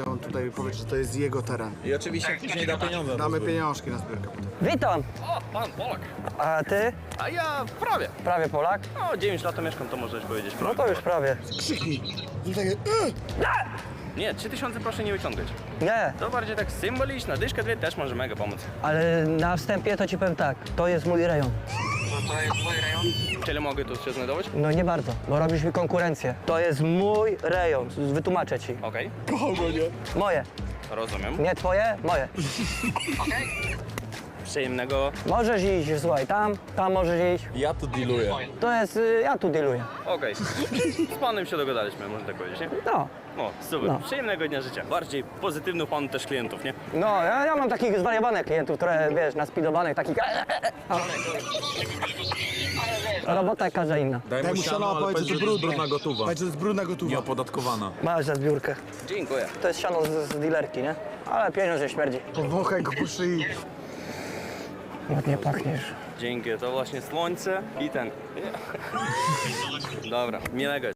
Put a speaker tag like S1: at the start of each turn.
S1: on tutaj powie, że to jest jego teren.
S2: I oczywiście później da pieniądze.
S1: Damy pieniążki na zbiórkę potem.
S3: Witam!
S4: O, pan Polak.
S3: A ty?
S4: A ja prawie.
S3: Prawie Polak?
S4: No, 9 lat to mieszkam, to możesz powiedzieć
S3: No
S4: prawie.
S3: to już prawie.
S1: Krzyknij! I takie,
S4: Nie, 3000 proszę nie wyciągać.
S3: Nie,
S4: To bardziej tak symboliczna, dyszka dwie też może mega pomóc.
S3: ale na wstępie to ci powiem tak, to jest mój rejon.
S4: Czyli mogę tu się znajdować?
S3: No nie bardzo, bo robisz mi konkurencję. To jest mój rejon, wytłumaczę ci.
S4: Okej,
S3: Moje.
S4: rozumiem.
S3: Nie twoje, moje.
S4: Przyjemnego.
S3: Możesz iść, słuchaj, tam możesz iść.
S2: Ja tu dealuję.
S3: To jest, ja tu dealuję.
S4: Okej. Z panem się dogadaliśmy, można tak powiedzieć, nie?
S3: No,
S4: O, super.
S3: No.
S4: Przyjemnego dnia życia. Bardziej pozytywnych panu też klientów, nie?
S3: no, ja mam takich zwariowanych klientów, które, wiesz, naspidowanych, takich... Robota jak każda inna.
S2: Daj mu siano, ale
S1: powiedz,
S2: powiedz, że to jest brudna gotowa.
S1: Powiedz, że to jest brudna gotowa.
S2: Nieopodatkowana.
S3: Masz za zbiórkę.
S4: Dziękuję.
S3: To jest siano z dealerki, nie? Ale pieniądz nie śmierdzi.
S1: Powąchaj go po szyi.
S3: Ładnie pachniesz.
S4: Dzięki, to właśnie słońce i ten. Dobra, miłego.